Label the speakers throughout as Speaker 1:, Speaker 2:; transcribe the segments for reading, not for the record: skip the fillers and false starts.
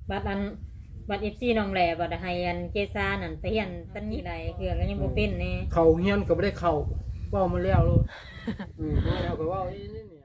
Speaker 1: บัดอันบัด FC น้องแหล่บัดให้อันเจซ่านั่นไปเฮียนตันนี่ไรเครื่องก็ยังบ่เป็นแน่
Speaker 2: เขาเฮียนก็บ่ได้เข้าเว้ามาแล้วลูกมาแล้วก็เว้านี่เนี่ย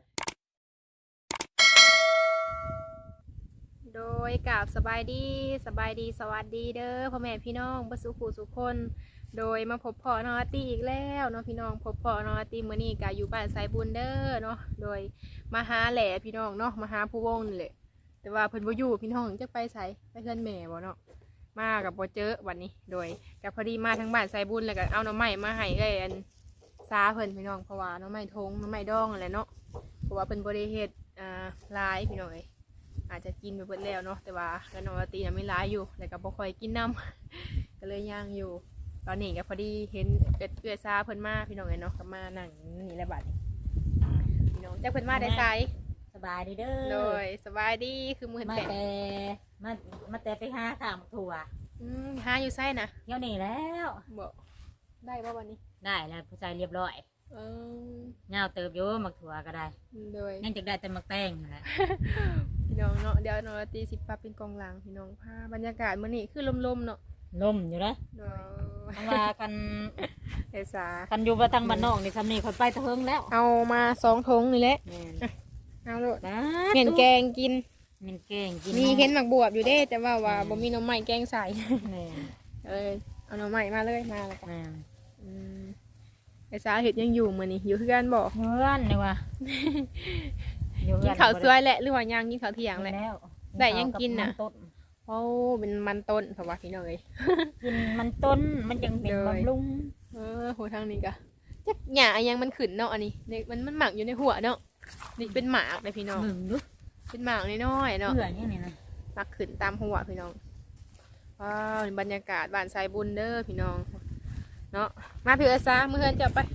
Speaker 3: โดยกราบสบายดีสวัสดีเด้อพ่อแม่พี่น้องบ่สุขุสุขคน โดยมาพบพ่อน้องอาร์ตี้อีกแล้วเนาะพี่น้องพบพ่อน้องอาร์ตี้มื้อนี้ก็อยู่บ้านสายบุญเด้อเนาะโดยมาหาแหล่พี่น้องเนาะมาหาผู้วงนี่แหละแต่ว่าเพิ่นบ่อยู่พี่น้องจักไปไสไปเฮือนแม่บ่เนาะมากับบ่เจอวันนี้โดยก็พอดีมาทางบ้านสายบุญแล้วก็เอาหน่อไม้มาให้เอ้ยอันซาเพิ่นพี่น้องเพราะว่าหน่อไม้ทงหน่อไม้ดองนั่นแหละเนาะเพราะว่าเพิ่นบ่ได้เฮ็ดหลายพี่น้องเอ้ยอาจจะกินไปเบิดแล้วเนาะแต่ว่าก็น้องอาร์ตี้น่ะไม่หลายอยู่แล้วก็บ่ค่อยกินน้ำ ก็เลยย่างอยู่ตอนนี้ก็พอดีเห็นเอื้อซาเพิ่นมาพี่น้องเอ้ยเนาะก็มานั่งนี่แหละบัดนี้พี่น้องจักเพิ่นมาได้ไส
Speaker 1: สบายดีเด้อ
Speaker 3: โดยสบายดีคือมื้อ
Speaker 1: มา
Speaker 3: แปะ
Speaker 1: แต่มาแต่ไปหาข้าวถั่ว
Speaker 3: หาอยู่ไสนะ
Speaker 1: เที่ยวนี้แล้ว
Speaker 3: บ่ได้บ่วันนี้
Speaker 1: ได้แล้วผู้ชายเรียบร้อย
Speaker 3: เออ
Speaker 1: เงาเติบอยู่มักถั่วก็ได้
Speaker 3: โดย
Speaker 1: ยังจะได้แต่มักแตงนั่นแหละ
Speaker 3: พี่น้องเนาะเดี๋ยวน้องราตรีสิปรับเป็นกองหลังพี่น้องพาบรรยากาศมื้อนี้คือลมๆเนาะ
Speaker 1: ลมอยู่นะ
Speaker 3: โดย
Speaker 1: เอาว่ากัน
Speaker 3: เอื้อซา
Speaker 1: กันอยู่บ่ทางบ้านนอกนี่ซำนี้คนไปตะเฮิงแล้ว
Speaker 3: เอามา2ถุงนี่แหละ
Speaker 1: แม่น
Speaker 3: เอาโลด
Speaker 1: บ้า
Speaker 3: เห็นแกงกิน
Speaker 1: แม่นแกงกิน
Speaker 3: มีเห็นหมักบวบอยู่เด้แต่ว่าบ่มีหน่อไม้แกงใส่
Speaker 1: แม่น
Speaker 3: เอาหน่อไม้มาเลยมาแล้วกัน
Speaker 1: แม่น
Speaker 3: ไอ้สาเห็ดยังอยู่มื้อนี้อยู่คือกันบ่
Speaker 1: เพื่อนนี่ว่ะอยู่
Speaker 3: กินข้าวสวยแหละหรือว่ายังกินข้าวเที่ยงแหละ
Speaker 1: แล้ว
Speaker 3: ได้ยังกินน่ะ
Speaker 1: มัต้น
Speaker 3: โอ้เป็นมันต้นเพราะว่าพี่น้องเอ้ย
Speaker 1: กินมันต้นมันยังเป็น
Speaker 3: เลย
Speaker 1: บำรุง
Speaker 3: โหทางนี้ก็จักหญ้าอันยังมันขึ้นเนาะอันนี้เนี่ยมันหมักอยู่ในหัวเนาะนี่เป็นหมากเลยพี่น้อง
Speaker 1: หนึ่งดู
Speaker 3: เป็นหมากน้อยๆเนาะ
Speaker 1: เพื่อนนี่นี่นะ
Speaker 3: หมักขึ้นตามหัวพี่น้องว้าวบรรยากาศบ้านสายบุญเด้อพี่น้องเนาะมาพี่เอ้ยซามื้อเฮือนจะไป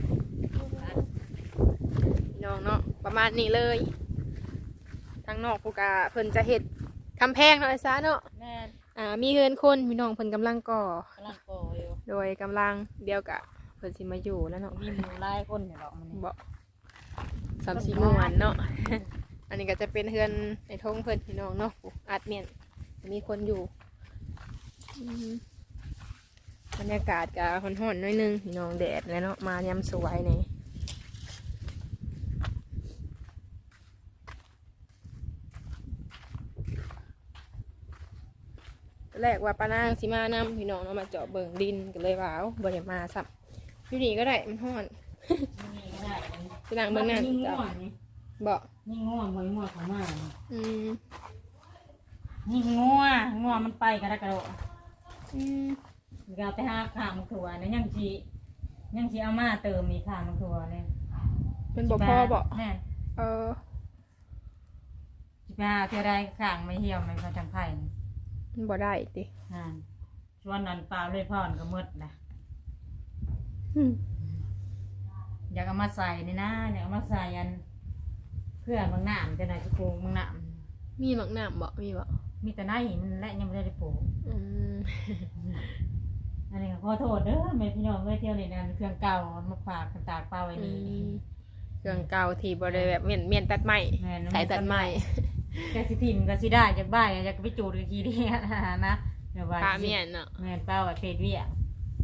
Speaker 3: พี่น้องเนาะประมาณนี้เลยทางนอกผู้กาเพิ่นจะเฮ็ดคำแพงเนาะไอ้ซาเนาะ
Speaker 1: แม่น
Speaker 3: มีเฮือนคนพี่น้องเพิ่นกำลังก่อก
Speaker 1: ำลังก่ออยู่
Speaker 3: โดยกำลังเดียวกะเพิ่นสิมาอยู่แล้วเนาะ
Speaker 1: มีหมูหลายคนอยู่หรอกมันนี่
Speaker 3: บ่สามสี่ม่วนเนาะ อันนี้ก็จะเป็นเฮือนในทงเพิ่นพี่น้องเนาะอาจเมียนมีคนอยู่อืมบรรยากาศก็ร้อนๆหน่อยนึงพี่น้องแดดแล้วเนาะมายามสวยนี่แรกว่าป้านางสิมานำพี่น้องเนาะมาเจาะเบิ่งดินก็เลยว่าเอาบ่ได้มาสับอยู่นี่ก็ได้มันร้อน
Speaker 1: นี่ก็ได้
Speaker 3: ไปนั่งเบิ่งนั่น
Speaker 1: นี่ง่
Speaker 3: จ้ะ
Speaker 1: วงนี่
Speaker 3: บ่
Speaker 1: นี่ง่วงบ่ง่วงเขามา
Speaker 3: อืม
Speaker 1: นี่ง่วงง่วงมันไปกระดกกระโดด
Speaker 3: อืม
Speaker 1: ก็ไปหาข้าวมักถั่วเนี่ยยังสิเอามาเติมมีข้าวมักถั่วเนี่ย
Speaker 3: เป็นบ่พ่อบ่
Speaker 1: แม่น
Speaker 3: เออ
Speaker 1: สิไปหาเท่าใดข้างไม่เหี่ยวไม่พอจังไผ่
Speaker 3: มันบ่ได้ติ
Speaker 1: นั่นชวนนันปลาเลยพ่อนก็หมดนะ
Speaker 3: อืม
Speaker 1: อยากเอามาใส่นี่นะอยากเอามาใส่อันเพื่อบางหนามจะไหนจะปลูกบางหนาม
Speaker 3: มีหมักน้ำบ่มีบ่
Speaker 1: มีแต่ไหนมันและยังไม่ได้ปลูก
Speaker 3: อืม
Speaker 1: อันนี้ก็ขอโทษเด้อแม่พี่น้องเอ้ยเที่ยวนี่นั่นเครื่องเก่ามาฝากกันตากปลาไว้นี่
Speaker 3: เครื่องเก่าที่บ่ได้แบบเมียนตัดไม้
Speaker 1: แม่น
Speaker 3: สายตัดไม้
Speaker 1: แกสิทิมก็สิได้จากบ้านอยากไปจูดกับขี้เดียนะเดี๋ยวว่า
Speaker 3: ปลาเมียนเนาะ
Speaker 1: แม่นเป้าว่าเพจเวีย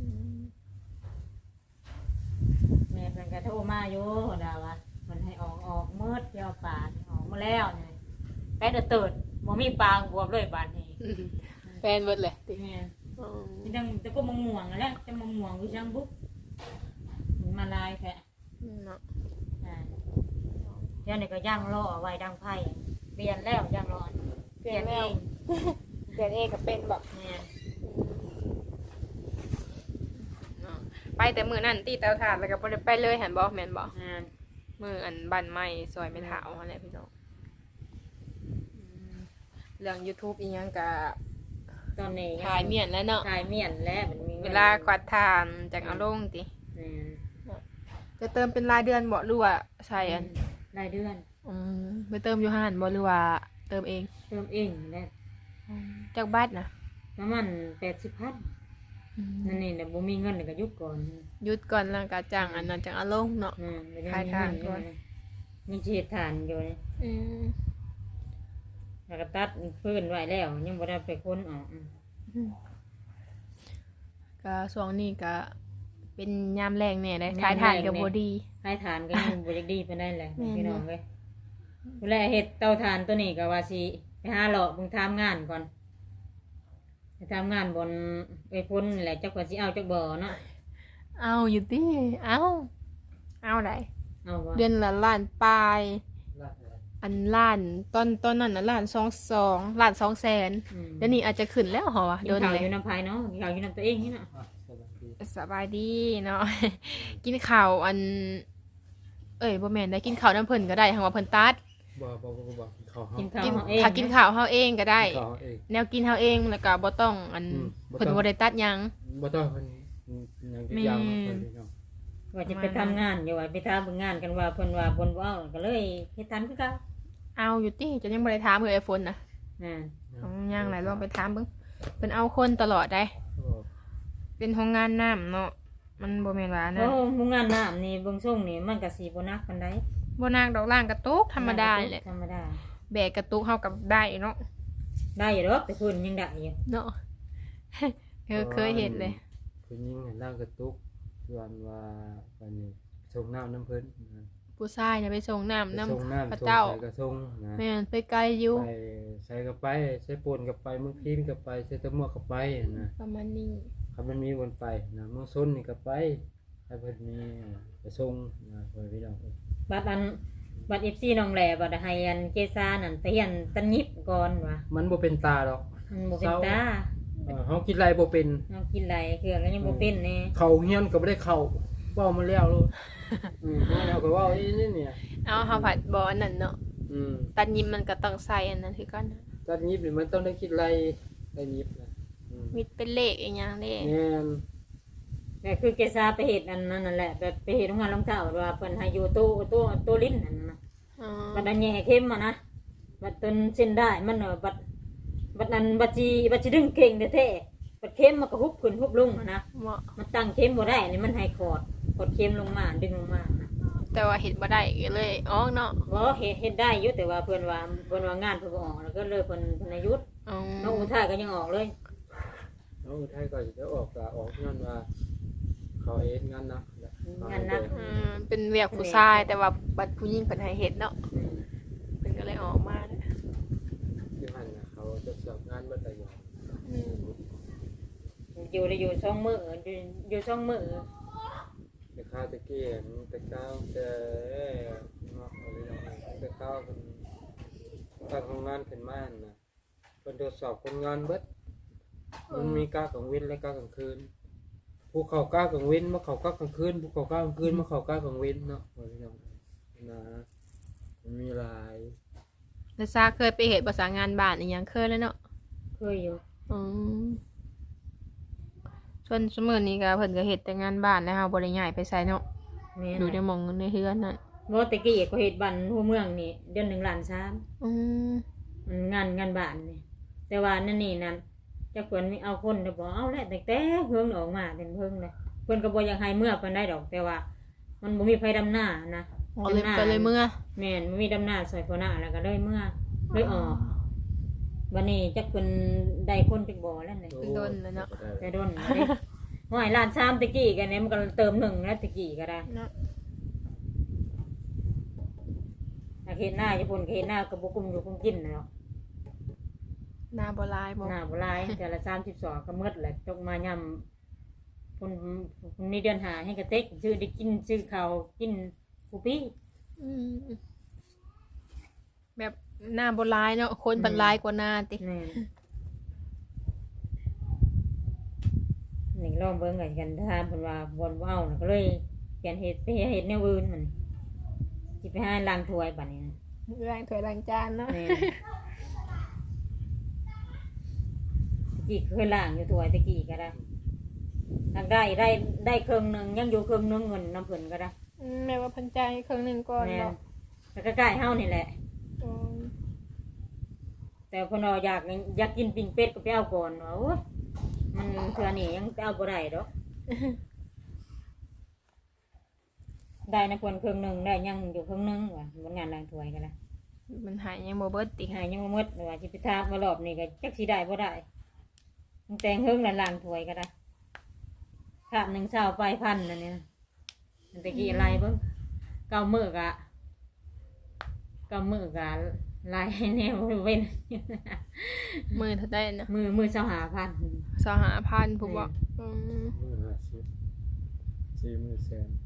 Speaker 1: แม่เพิ่นก็โทรมาอยู่ดาว่าเพิ่นให้ออกมืดเดี๋ยวปลาออกมาแล้วนี่ไปเด้อเติดบ่มีปลาบวบเลยบาดนี้
Speaker 3: แฟนเบิดเลยติ
Speaker 1: แม่น
Speaker 3: อืม
Speaker 1: ที่จังแต่ก็มะม่วงนั่นแหละจะมะม่วงคือจังบุ๊กมันมาลายแท้
Speaker 3: เนาะ
Speaker 1: อ่าเดี๋ยวนี้ก็ย่างล่อไว้ดังไผ่เปลี่ยนแล้วย่างร้อนเปลี่ยนเอง
Speaker 3: เปลี่ยนเองก็เป็นบ่
Speaker 1: แม่น
Speaker 3: เนาะไปแต่มื้อนั้นตีเตาถ่านแล้วก็บ่ได้ไปเลยหันบ่แม่นบ่
Speaker 1: แม่น
Speaker 3: มื้ออันบ้านใหม่ซอยไม่เฒ่าหั่นแหละพี่น้องเรื่อง YouTube อีหยังก็
Speaker 1: ตอนนี้
Speaker 3: ถ่ายเมียนแล้วเนาะ
Speaker 1: ถ่ายเมียนแล้วมันมี
Speaker 3: เวลากวาดทานจากเอาลงติ
Speaker 1: แม่น
Speaker 3: จะเติมเป็นรายเดือนบ่หรือว่าใช่อัน
Speaker 1: รายเดือน
Speaker 3: ไปเติมอยู่ห้านบ่หรือว่าเติมเอง
Speaker 1: เติมเองแล้ว
Speaker 3: จากบัตรนะ
Speaker 1: ประมาณ80,000นั่นนี่น่ะบ่มีเงินนี่ก็หยุดก่อน
Speaker 3: หยุดก่อนแล้วก็จ้างอันนั้นจังเอาลงเนาะ
Speaker 1: ไม่ได้
Speaker 3: ขาย
Speaker 1: มี
Speaker 3: ทา
Speaker 1: เงิ
Speaker 3: น
Speaker 1: น
Speaker 3: ก่อน
Speaker 1: มีสิเฮ็ดทานอยู่นี่แล้วก็ตัดพื้นไว้แล้วยังบ่ได้ไปค้นออก
Speaker 3: ก็ช่วงนี้ก็เป็นยามแรงเนี่ยได้ขายถ่านกับบ่ดี
Speaker 1: ให้ทานก็ยังบ่ได้ดีปานใดแหละ
Speaker 3: แม่น
Speaker 1: พี่น้องเว้ยเวลาเฮ็ดเตาถ่านตัวนี้ก็ว่าสิไปหาเลาะเบิ่งทำงานก่อนไปทำงานบนไอ้พ้นนี่แหละจักว่าสิเอาจักบ่เนาะ
Speaker 3: เอาอยู่ติเอาได้
Speaker 1: เอาบ่
Speaker 3: เดือนละล้านปลาย
Speaker 2: ลาดอะไร
Speaker 3: อันล้านตอนนั้นน่ะล้าน22ล้าน2แสน
Speaker 1: อืม
Speaker 3: เดี๋ยวนี้อาจจะขึ้นแล้วเหรอวะ
Speaker 1: กิน
Speaker 3: โดน
Speaker 1: ข้าว
Speaker 3: เล
Speaker 1: อย ยู่น้ำภายเนาะกินข้าวอยู่น้ำตัวเองนี่น่ะ
Speaker 2: อ่ะสวัสดี
Speaker 3: สบายดีเนาะ กินข้าวอัน บ่แม่นได้กินข้าวน้ำเพิ่นก็ได้หังว่าเพิ่นตัด
Speaker 2: บ่เขาเฮา
Speaker 1: กินข้าว
Speaker 3: กิน
Speaker 1: เฮาเอง
Speaker 3: ถ้ากินข้าวเฮาเองก็ได้
Speaker 2: เขาเอง
Speaker 3: แนวกินเฮาเองแล้วก็บ่ต้องอัน
Speaker 2: บ่
Speaker 3: เพิ่น
Speaker 2: ต้อง
Speaker 3: บ่ได้ตัดหยัง
Speaker 2: บ่ต้องเพิ่นยังจะยาวมาเพิ่นพี่น้อง
Speaker 1: ว่าจะไปทำงานอยู่ว่าไปทำเบิ่งงานกันว่าเพิ่นว่าบนว่าก็เลยเฮ็ดทันคือเก่า
Speaker 3: เอาอยู่ติจะยังบ่ได้ถามเพิ่นไอโฟนน่ะ
Speaker 1: อ่า
Speaker 3: ต้องย่างหลายลองไปถามเบิ่งเพิ่นเอาคนตลอดได้
Speaker 2: โอ้
Speaker 3: เป็นโรงงานน้ำเนาะมันบ่แม่นว่า
Speaker 1: โอ้
Speaker 3: นะ
Speaker 1: หมู่งานน้ำนี่เบิ่งส่งนี่มันก็สิบ่หนักปานใด
Speaker 3: บ่นางดอกล่างกระตุกธรรมดานี่แหละ
Speaker 1: ธรรมดา
Speaker 3: แบกกระตุกเฮากับได้เนาะ
Speaker 1: ได้อยู่ดอกแต่เพิ่นยังได้อยู่
Speaker 3: เนาะ เคยเห็นเลย
Speaker 2: ผู้หญิงร่างกระตุกส่วนว่าวันนี้ส่งน้ำน้ำเพิ่นนะ
Speaker 3: ผู้ชายน่ะไปส่งน้ำ
Speaker 2: ไปส่ง
Speaker 3: น้ำพระ
Speaker 2: น้ำส่ง
Speaker 3: เจ้า
Speaker 2: ใส่กระส่งนะ
Speaker 3: แม่นไปไกลอยู่
Speaker 2: ไปใส่กระไปใส่ปูนกระไปมึงพิมพ์กระไปใส่ตะมั่วกระไปนะ
Speaker 3: ประมาณนี้
Speaker 2: ครับมันมีวนไปนะมึงส้นนี่กระไปให้เพิ่นมีกระส่งนะเพิ่นพี่น้อง
Speaker 1: บัดFC น้องแหล่บัดให้อันเจซานั่นไปเฮียนตันยิบก่อนว่ะ
Speaker 2: มันบ่เป็นตาดอก
Speaker 1: มันบ่เป็นตา
Speaker 2: เฮากินไรบ่เป็น
Speaker 1: เฮากินหลายเครื่องก็ยังบ่เป็นแน่
Speaker 2: เขาเฮียนก็บ่ได้เข้าเว้ามาแล้วลูกแล้วก็เว้าอีนี่เนี่ย
Speaker 3: เอาเฮาผัดบ่อันนั้นเนาะ
Speaker 2: อืม
Speaker 3: ตัดยิ้มมันก็ต้องใส่อันนั้นคือกันนะ
Speaker 2: ตอนยิบนี่มันต้องได้คิดไรได้ยิบนะอืม
Speaker 3: มีเป็นเลขอีหยังเด้
Speaker 2: แม่น
Speaker 1: แต่คือเจซาไปเฮ็ดอันนั้นนั่นแหละแบบไปเฮ็ดโรงงานรองเท้าว่าเพิ่นให้อยู่ตู้ลิ้นนั่นน่ะ
Speaker 3: อ๋อ
Speaker 1: บัดอันแย่เข้มอ่ะนะบัดต้นเส้นได้มันบัดนั้นบัดสิดึงเก่งแท้ๆบัดเข้มมันก็ฮุบขึ้นฮุบลงอะนะ
Speaker 3: เหมาะ
Speaker 1: มันตั้งเข้มบ่ได้นี่มันให้ขอดเข้มลงมาดึงลงมานะ
Speaker 3: แต่ว่าเฮ็ดบ่ได้ก็เลยออกเนาะ
Speaker 1: บ่เฮ็ดได้อยู่แต่ว่าเพิ่นว่างานเพิ่นบ่ออกแล้วก็เลยเพิ่นให้หยุด
Speaker 3: อ๋อ
Speaker 1: น้องอุทัยก็ยังออกเลย
Speaker 2: น้องอุทัยก็จะออกก็ออกนั่นว่าเขาเฮ็ดงานนะ
Speaker 1: งานนัก
Speaker 3: เป็นเวียกผู้ชายแต่ว่าบัดผู้หญิงเพิ่นให้เฮ็ดเนาะเพิ่นก็เลยออกมาเด้อ
Speaker 2: อยู่หั่นน่ะเขาจะสอบงานเบิดหลายอย่าง
Speaker 3: อืม
Speaker 1: อยู่2มื้ออยู่2มื้อ
Speaker 2: แต่ข้าวตะเกียงแต่ข้าวแต่เนาะอะไรอย่างเงี้ยแต่ข้าวเป็นการทำงานขึ้นมาน่ะเพิ่นตรวจสอบคนงานเบิดมันมีกะกลางวันและกะกลางคืนผู้เขากะกลางวันมาเขากะกลางคืนผู้เขากะกลางคืนมาเขากะกลางวันเนาะพี่น้องนะมันมีหลาย
Speaker 3: แล้วซาเคยไปเฮ็ดภาษางานบ้านอีหยังเคยแล้วเนาะ
Speaker 1: เคยอยู่
Speaker 3: อืมส่วนสมื้อนี้ก็เพิ่นก็เฮ็ดแต่งานบ้านแล้วเฮาบ่ได้ย้ายไปไสเนาะ
Speaker 1: แม่น
Speaker 3: อยู่ในหม่องในเฮือนนั่น
Speaker 1: บ่ตะกี้ก็เฮ็ดบ้านหัวเมืองนี่เดือน1ล้าน3
Speaker 3: อืม
Speaker 1: มันงานบ้านนี่แต่ว่านั่นนี่นั่นจักเพิ่นมีเอาคนได้บ่เอาแล้วแต่เฮิงออกมาเป็นเฮิงเลยเพิ่นก็บ่อยากให้เมื่อปานใดดอก แต่ว่า มันบ่มีไผดำหน้านะ
Speaker 3: ก็เลยก็เลยเมื่อ
Speaker 1: แม่นบ่มีดำหน้าซอยพ่อหน้าแล้วก็เลยเมื่อเลยออกวันนี้จักเพิ่นได้คนจักบ่แล้วนี่
Speaker 3: โดนแล้วเนาะ
Speaker 1: แต่โดนเด้ห้อยล้าน3ตะกี้กันเนี่ยมันก็เติม1แล้วตะกี้ก็ได้
Speaker 3: เนาะ
Speaker 1: ถ้าเฮ็ดหน้าญี่ปุ่นเฮ็ดหน้าก็บ่กุมอยู่กุมกินน่ะเนาะ
Speaker 3: หน้าบ่ลายบ่
Speaker 1: หน้าบ่หลายแต่ละ32ก็หมดแหละตกมายำคนนี้เดือนหาให้กระเต็กซื้อได้กินซื้อข้าวกินผู้พี่
Speaker 3: อืมแบบหน้าบ่ลายเนาะคนบัดลายกว่าหน้าติ
Speaker 1: แม่นนี่ลองเบิ่งกันถ้าเพิ่นว่าบ่เว้าน่ะก็เลยเปลี่ยนเฮ็ดไปเฮ็ดแนวอื่นมันสิไปหาล้างถ้วยบัดนี้นะ
Speaker 3: ล้างถ้วยล้างจานเนาะ
Speaker 1: แม่นตะกี้เคยล้างอยู่ถ้วยตะกี้ก็ได้ล้างได้ครึ่งหนึงยังอยู่ครึ่งหนึงเงินน้ำเพิ่นก็ได้
Speaker 3: แม่ว่าเพันใจายครึ่งหนึงก่อน
Speaker 1: แม่น
Speaker 3: เนาะ
Speaker 1: แล้วก็ใกล้เฮานี่แหละ
Speaker 3: อืม
Speaker 1: แต่เพนเราอยากกินปิ้งเป็ดก็ไปเอาก่อนว่าโอ้ยมันเทื่อนี้ยังไปเอาบ่ได้ดอก ได้นะเพิ่นครึ่งหนึงได้ยังอยู่ครึ่งหนึงว่ะบนงานล้างถ้วยก็ได้
Speaker 3: มันหายยังบ่เบิดติ
Speaker 1: หายยังบ่หมดว่าสิไปทามารอบนี้ก็จักสิได้บ่ได้ตั้งแต่เฮิงล้างถ้วยก็ได้ถาม1เช้าไปพันนั่นนี่นะมันตะกี้อะไรเบิ่งเก้ามื้อกะลายแนวเว้น
Speaker 3: มือเท่าได้นะ
Speaker 1: มือ25,000
Speaker 3: 25,000ผู้บ่อืม
Speaker 2: มือ50 4มือแสน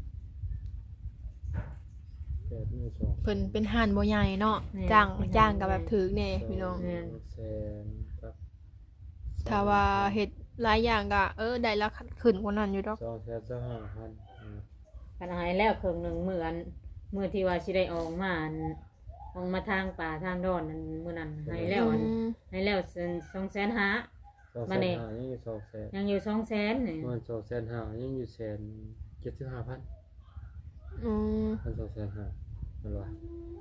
Speaker 2: 8มือสอง
Speaker 3: เพิ่นเป็นห่านบ่ใหญ่เนาะจ้างก็แบบถึกแน่พี่น้อง
Speaker 2: แสนครับ
Speaker 3: ถ้าว่าเฮ็ดหลายอย่างก็ได้ราคาขึ้นกว่านั้นอยู่ดอก
Speaker 2: 2,500,000
Speaker 1: คันหายแล้วครึ่งหนึงมื้อที่ว่าสิได้ออกมาทางป่าทางดอนนั่นมื้อนั้นหายแล้วให้แล้ว250,000 มานี่
Speaker 2: 2,500,000ยังอยู่200,000
Speaker 1: ยังอยู่200,000นี่
Speaker 2: มัน2,500,000ยังอยู่175,000
Speaker 3: อืม
Speaker 2: มัน2,500,000มันว่า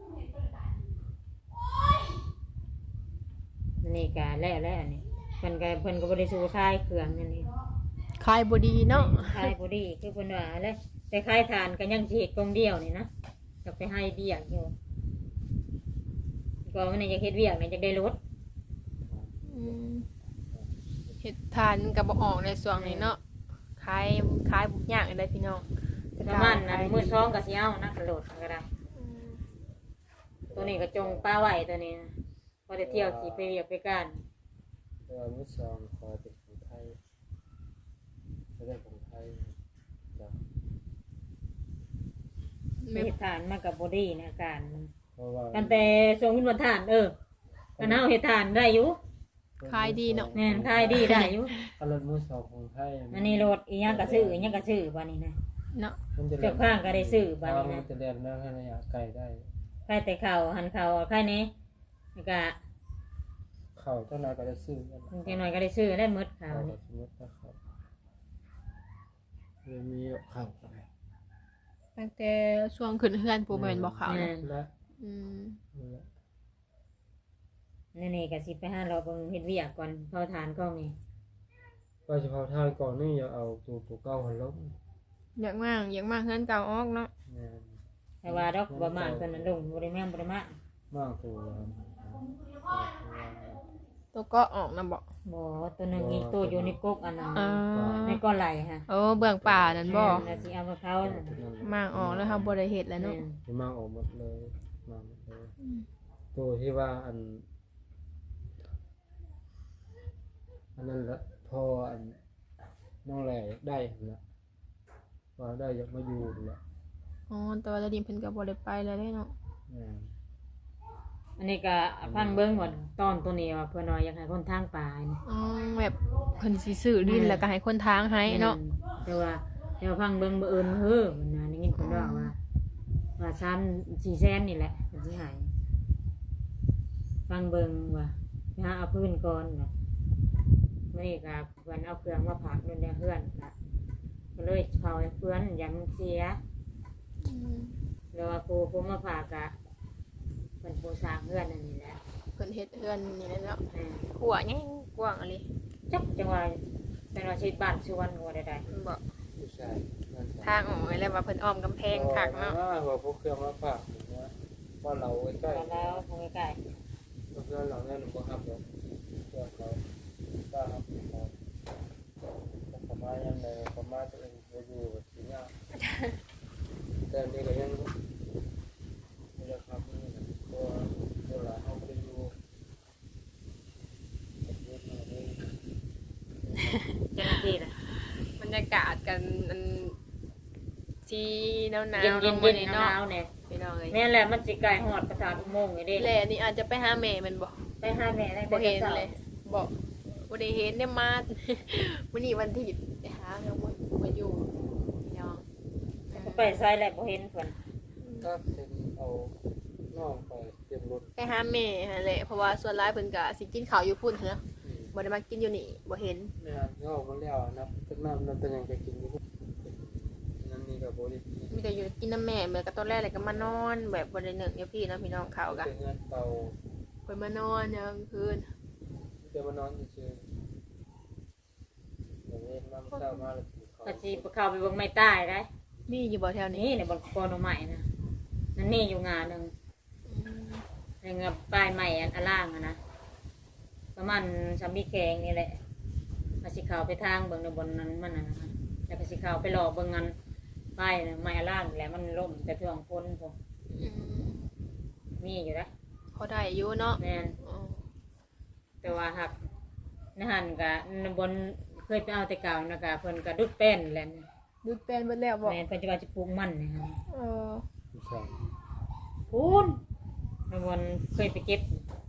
Speaker 1: อันนี่ก็แล้วนี่เพิ่นก็บ่ได้สู้คายเครื่องนั่นนี่
Speaker 3: ขายบ่ดีเนาะ
Speaker 1: คายบ่ดีคือเพิ่นว่าเลยแต่คายทานก็ยังสิเฮ็ดกองเดียวนี่นะจะไปให้เบี้ยอยู่ก็มันนี่อยากเฮ็ดเวียกนี่อยากได้รถ
Speaker 3: อืมเฮ็ดทานก็บ่ออกในช่วงนี้เนาะขายบุกยากได้พี่น้อง
Speaker 1: ประมาณนั้นมื้อสองก็สิเอานะรถก็ได้
Speaker 3: อืม
Speaker 1: ตัวนี้ก็จงป้าไว้ตัวนี้นะพอได้เที่ยวขี่ไปเวียกไปการ
Speaker 2: แต่ว่ามื้อสองขอเป็นของไทยไม่ได้ของไทยจ้ะ
Speaker 1: เฮ็ดทานมากับบอดี้นะการมัน
Speaker 2: เพราะว่า
Speaker 1: กันแต่ทรงวินวันทานกันเอาเฮ็ดทานได้อยู่
Speaker 3: ขายดีเนาะ
Speaker 1: แม่นขายดีได้อยู่
Speaker 2: ถ้ารถมื้อสองของไทย
Speaker 1: อันนี้รถอีหยังก็ซื้ออีหยังก็ซื้อบัดนี้นะ
Speaker 3: เนาะ
Speaker 2: มันจะ
Speaker 1: เจ้าข้างก็ได้ซื้อบัดนี้
Speaker 2: มั
Speaker 1: นะ
Speaker 2: จะเรียนแม่ให้ระยะไกลได้
Speaker 1: ใครแต่ข้าวหันข้าวใครนี้แล้วก็
Speaker 2: เข้าเจ้านายก็ได้ซื้อกัน
Speaker 1: จังหน่อยก็ได้ซื้อได้หมดข้า
Speaker 2: เข้าว
Speaker 1: นี่
Speaker 2: สมมตินะครับเลยมีข้าวอะไร
Speaker 3: ตั้งแต่ช่วงขึ้นเฮือนผู้แม่นบ่ขาว
Speaker 1: แม่
Speaker 3: นะ
Speaker 1: น
Speaker 2: และ
Speaker 3: อืม
Speaker 1: นี่ก็สิไปหาเราเบิ่งเฮ็ดเวียกก่อนเผาทานกล้องนี่
Speaker 2: ว่าเฉพาะทางก่อนนี่อย่าเอาตัวเก่าหันลง
Speaker 3: อยากมากเฮือนเก่าออกเนาะ
Speaker 2: แม่น
Speaker 1: แต่ว่าดอกบ่มานเพิ่นนั้นลงบ่ได้แม่นบ่ได้มา
Speaker 2: มากตัว
Speaker 3: ตัวก็ออกนะบ่
Speaker 1: บ่ตัวหนึงอีกตัวอยู่ในกกอันนั้น
Speaker 3: อ่า
Speaker 1: ในก้อนไหลฮะ
Speaker 3: โอ้เบื้องป่านั่นบ่
Speaker 1: น่ะสิเอามาเขาน่ะ
Speaker 3: มากออกแล้วเฮาบ่ได้เฮ็ดแล้วเนาะ
Speaker 2: ที่มากออกหมดเลยมาหมดเลยตัวที่ว่าอันนั้นละพออันน้องแหล่ได้ละว่าได้อยากมาอยู่ละ
Speaker 3: อ๋อแต่ว่าตอนนี้เพิ่นก็บ่ได้ไปแล้วเด้เนาะ
Speaker 1: อันนี้ก็ฟังเบิ่งว่าตอนตัวนี้ว่าเพิ่นว่าอยากให้คนทางป่านี่
Speaker 3: อ๋อแบบเพิ่นสิซื้อดินแล้วก็ให้คนทางให้เนาะ
Speaker 1: แต่ว่าฟังเบิ่งบ่เอิ้นเฮ้อมันน่ะได้ยินเพิ่นว่า3-4แสนนี่แหละเพิ่นสิให้ฟังเบิ่งว่าไปหาเอาพื้นก่อนน่ะมื้อนี้ก็เพิ่นเอาเครื่องมาผักนู่นในเฮือนน่ะก็เลยเผาให้เพื่อนอย่ามันเสีย
Speaker 3: อืม
Speaker 1: แล้วว่าผู้มาผักก็เพิ่นผู้สร้างเฮือนนั่นนี่แหละ
Speaker 3: เพิ่นเฮ็ดเฮือนนี่แหละเนาะ
Speaker 1: อ่า
Speaker 3: หัวใหญ่กว้างอะไร
Speaker 1: จักจังว่าเป็นว่าชีวิตบ้านชวนหัวใด
Speaker 3: บ่
Speaker 2: ผู้ชาย
Speaker 3: ทางออกไว้แล้วว่าเพิ่นอ้อมกำแพงคักเนาะ
Speaker 2: ว่าพวกเครื่องมาฝากอย่างเงี้ยว่าเราใกล้
Speaker 1: ๆแล้วคงใกล้
Speaker 2: เพื่อนเราเนี่ยหนูก็ครับแบบเพื่อนเราก็ครับเราประมาณยังไงประมาณตัวเองจะอยู่แบบที่นี่แต่นี่ก็ยังไม่ได้ครับนี่นะตัวหลานเขาไม่ได้อยู่แบบนี้มาเลย
Speaker 1: ๆจังซี่น่ะ
Speaker 3: บรรยากาศกันอันสีหนาวๆ
Speaker 1: เย็น
Speaker 3: ลง
Speaker 1: ๆ
Speaker 3: มา
Speaker 1: เย็น
Speaker 3: นี่
Speaker 1: ๆห
Speaker 3: เนาะ
Speaker 1: นาวๆเนี่ย
Speaker 3: พี่น้องเอ้ย
Speaker 1: แม่นแหละมันสิไกลฮอดประสาทอุโมงค์นี่เด้
Speaker 3: แหละนี่อาจจะไปหาแม่มันบ่
Speaker 1: ไปหาแม่ได้
Speaker 3: บ่เห็นเลยบ่ได้เห็นเนี่ยมา มื้อนี้วันอาทิตย์ไปหาแล้วบ่อยู่พี่น้อง
Speaker 1: ไปไสแหละบ่เห็นเพิ่น
Speaker 2: ก็เป็นเอาน้องไปเตรียมรถ
Speaker 3: ไปหาแม่หั่นแหละเพราะว่าส่วนหลายเพิ่นก็สิกินข้าวอยู่พุ่นเถอะบ่ได้มากินอยู่นี่บ่เห็น
Speaker 2: ไม่อ่านย่อมาแล้วนะเป็นน้ำนั่นเป็นยังจะกินอยู่นั่นนี่กับโบลิ
Speaker 3: มีแต่อยู่กินน้ำแม่เหมือนกับตอนแรกเลยก็มานอนแบบบ่ได้นึกอยู่พี่เนาะพี่น้องเขาก็
Speaker 2: เป็นเงินเตา
Speaker 3: เพิ่นมานอนยามคืน
Speaker 2: จะมานอนเฉยๆอย่างนี้น้ำเช้ามาแล้วกินข้าว
Speaker 1: ก็สิเข้าไปเบิ่งไม้ใต้ได้
Speaker 3: มีอยู่บ่แถวนี้
Speaker 1: นี่ในบ่กอนใหม่นะนั่นนี่อยู่งานนึง
Speaker 3: อืม
Speaker 1: ยังกับปลายใหม่อันล่างอะนะประมาณสามีแขงนี่แหละอาสิเขาไปทางเบิ่งในบนนั้นมันน่ะนะคะแล้วก็สิเขาไปหลอกเบิ่งงานป้ายน่ะไม้อันล่างนี่แหละมันล่มแต่ช่วงพ้นผม
Speaker 3: อืม
Speaker 1: มีอยู่นะ
Speaker 3: พอได้อยู่เนาะ
Speaker 1: แม่น
Speaker 3: อ๋อ
Speaker 1: แต่ว่าหักในหันก็ในบนเคยไปเอาแต่เก่านะกะเพิ่นก็ดุดแป้นแหละ
Speaker 3: ดูดเป็นเบิดแล้วบอก
Speaker 1: แม่นเพิ่นจะว่าจะปลูกมันนี่ฮะ
Speaker 3: เออ
Speaker 2: ผู้ชาย
Speaker 1: พูนในบนเคยไปเก็บ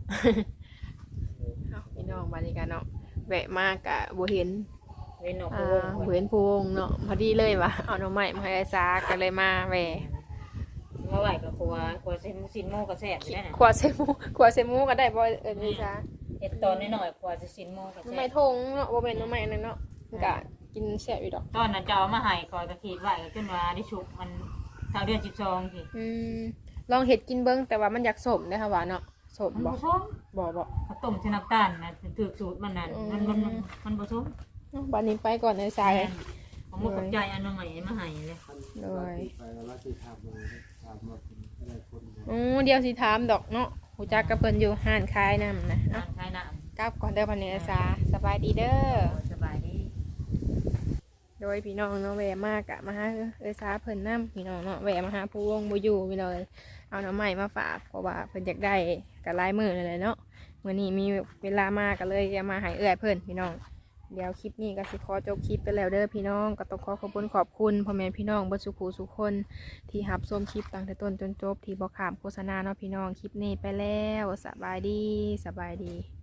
Speaker 3: เอาพี่น้องบรรยากาศเนาะแวะมากกะบ่เห็น
Speaker 1: เว้นออก
Speaker 3: อ่
Speaker 1: ไปวง
Speaker 3: าบ่เห็นพวงเนาะพอดีเลยว่ะเอาหน่อไม้มาให้ไอ้ซาก็เลยมาแหวะ
Speaker 1: เมื่อไหร่ก็ครัวสินโมก็แซ่บอยู่ได้น่ะ
Speaker 3: ขวดเซมูขวดเซมูก็ได้บ่ไอ้ซา
Speaker 1: เฮ็ดตอนน้อยๆครัวสินโมก็
Speaker 3: หน่อ
Speaker 1: แซ่
Speaker 3: ไม้
Speaker 1: บ
Speaker 3: ทงเนาะบ่แม่นหน่อไม้อันนั้นเนาะมันก็กินแซ่บอยู่ดอก
Speaker 1: ตอนนั้นจะเอามาให้คอยก็คิดไว้ก็จนว่าได้ชุบมันเท่าเดือน12สิ
Speaker 3: อืมลองเฮ็ดกินเบิ่งแต่ว่ามันอยากสมเด้อค่ะว่าเนาะสม
Speaker 1: มัน
Speaker 3: บ่
Speaker 1: บ่สม
Speaker 3: บ่
Speaker 1: ข้าวต้มใส่น้ำตาลนะถูกสูตรมันนั่นมันบ่สม
Speaker 3: บัดนี้ไปก่อนไอ้ซา
Speaker 1: ผมบ่เข้าใจอันใหม่มาให้เลย
Speaker 2: ไปแล้วที่ทำเลยทำมาเป็นได้คนเดียว
Speaker 3: เดี๋ยวสิถามดอกเนาะฮู้จักกับเพิ่นอยู่ห้านขายน้ำนะ
Speaker 1: ร้า
Speaker 3: เนาะ
Speaker 1: นขายน้
Speaker 3: กลับก่อนเด้อบัดนี้ไอ้ซาสบายดีเด้อ
Speaker 1: ำสบายดี
Speaker 3: โดยพี่น้องเนาะแวะมากอะมาหาเอ้ยซาเพิ่นนํพี่น้องเนาะแวะมาหาผู้วงบ่อยู่พี่น้องเอาหน่อไม้มาฝากเพราะว่าเพิ่นอยากได้ก็หลายมื้อนั่นแหละเนาะมื้อนี้มีเวลามาก็เลยจะมาให้เอื้อยเพิ่นพี่น้องเดี๋ยวคลิปนี้ก็สิขอจบคลิปไปแล้วเด้อพี่น้องก็ต้องขอบคุณพ่อแม่พี่น้องเบิดสุขสุขคนที่รับชมคลิปตั้งแต่ต้นจนจบที่บ่ข้ามโฆษณาเนาะพี่น้องคลิปนี้ไปแล้วสบายดี